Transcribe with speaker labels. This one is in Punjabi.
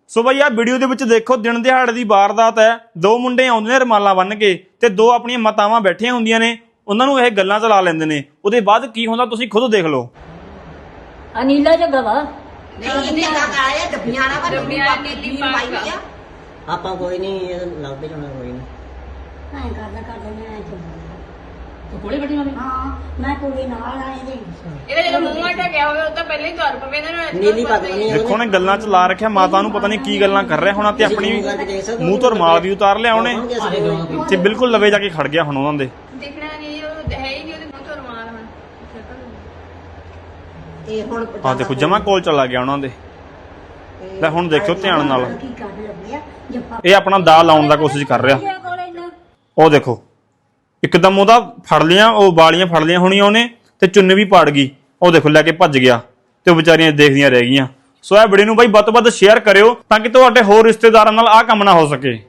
Speaker 1: ਸੋ ਬਈ ਆ ਵੀਡੀਓ ਦੇ ਵਿੱਚ ਦੇਖੋ ਦਿਨ ਦਿਹਾੜੇ ਦੀ ਵਾਰਦਾਤ ਹੈ। ਦੋ ਮੁੰਡੇ ਆਉਂਦੇ ਨੇ ਰਮਾਲਾਂ ਬੰਨ ਕੇ ਤੇ ਦੋ ਆਪਣੀਆਂ ਮਾਤਾਵਾਂ ਬੈਠੀਆਂ ਹੁੰਦੀਆਂ ਨੇ, ਉਹਨਾਂ ਨੂੰ ਇਹ ਗੱਲਾਂ ਚਲਾ ਲੈਂਦੇ ਨੇ। ਉਹਦੇ ਬਾਅਦ ਕੀ ਹੁੰਦਾ ਤੁਸੀਂ ਖੁਦ ਦੇਖ ਲਓ।
Speaker 2: ਅਨੀਲਾ ਜੱਗਾ ਵਾ
Speaker 3: ਨਹੀਂ ਇੰਨੇ ਦਾ ਆਇਆ ਡੱਬੀਆਂ ਨਾ ਪਰ ਡੱਬੀਆਂ ਨੀਲੀ ਪਾਈ ਆ।
Speaker 4: ਆਪਾਂ ਕੋਈ ਨਹੀਂ ਲੱਭਦੇ ਜਾਣਾ ਕੋਈ ਨਹੀਂ।
Speaker 2: ਐਂ ਕਰਦਾ ਮੈਂ
Speaker 5: ਤੂੰ ਕੋਲੇ ਬੈਠੀ ਹੋਣੀ
Speaker 2: ਹਾਂ ਮੈਂ ਕੁੜੀ ਨਾਲ ਆਏ ਦੇ
Speaker 5: ਇਹਦਾ ਜਦੋਂ ਮੂੰਹ ਆਟਾ ਗਿਆ ਹੋਵੇ ਉਹ ਤਾਂ ਪਹਿਲਾਂ ਹੀ ਤੁਰ ਪਵੇ ਇਹਨਾਂ ਨੂੰ
Speaker 4: ਨੀਲੀ ਪੱਗ ਨਹੀਂ
Speaker 1: ਦੇਖੋ ਉਹਨੇ ਗੱਲਾਂ ਚ ਲਾ ਰੱਖਿਆ, ਮਾਤਾ ਨੂੰ ਪਤਾ ਨਹੀਂ ਕੀ ਗੱਲਾਂ ਕਰ ਰਿਹਾ ਹੋਣਾ ਤੇ ਆਪਣੀ ਮੂੰਹ ਤੋਂ ਰੁਮਾਲ ਵੀ ਉਤਾਰ ਲਿਆ ਉਹਨੇ ਤੇ ਬਿਲਕੁਲ ਲਵੇ ਜਾ ਕੇ ਖੜ ਗਿਆ ਹੁਣ ਉਹਨਾਂ ਦੇ।
Speaker 5: ਦਿਖਣਾ ਨਹੀਂ ਉਹ ਹੈ ਹੀ ਨਹੀਂ ਉਹਦੇ ਮੂੰਹ ਤੋਂ ਰੁਮਾਲ ਹੁਣ
Speaker 3: ਇਹ ਹੁਣ
Speaker 1: ਆ ਦੇਖੋ ਜਮਾ ਕੋਲ ਚਲਾ ਗਿਆ ਉਹਨਾਂ ਦੇ। ਲੈ ਹੁਣ ਦੇਖਿਓ ਧਿਆਨ ਨਾਲ,
Speaker 2: ਕੀ ਕਰ ਲੱਗਿਆ ਜੱਫਾ
Speaker 1: ਇਹ ਆਪਣਾ ਦਾ ਲਾਉਣ ਦਾ ਕੋਸ਼ਿਸ਼ ਕਰ ਰਿਹਾ।
Speaker 2: ਕੋਲ ਇੰਨਾ
Speaker 1: ਉਹ ਦੇਖੋ ਇੱਕਦਮ ਉਹਦਾ ਫੜ ਲਿਆ, ਉਹ ਵਾਲੀਆਂ ਫੜ ਲਿਆ ਹੋਣੀਆਂ ਉਹਨੇ ਤੇ ਚੁੰਨੀ ਵੀ ਪਾੜ ਗਈ। ਉਹ ਦੇਖੋ ਲੈ ਕੇ ਭੱਜ ਗਿਆ ਤੇ ਉਹ ਵਿਚਾਰੀਆਂ ਦੇਖਦੀਆਂ ਰਹਿ ਗਈਆਂ। ਸੋ ਇਹ ਵੀਡੀਓ ਨੂੰ ਬਾਈ ਵੱਧ ਤੋਂ ਵੱਧ ਸ਼ੇਅਰ ਕਰਿਓ ਤਾਂ ਕਿ ਤੁਹਾਡੇ ਹੋਰ ਰਿਸ਼ਤੇਦਾਰਾਂ ਨਾਲ ਆਹ ਕੰਮ ਨਾ ਹੋ ਸਕੇ।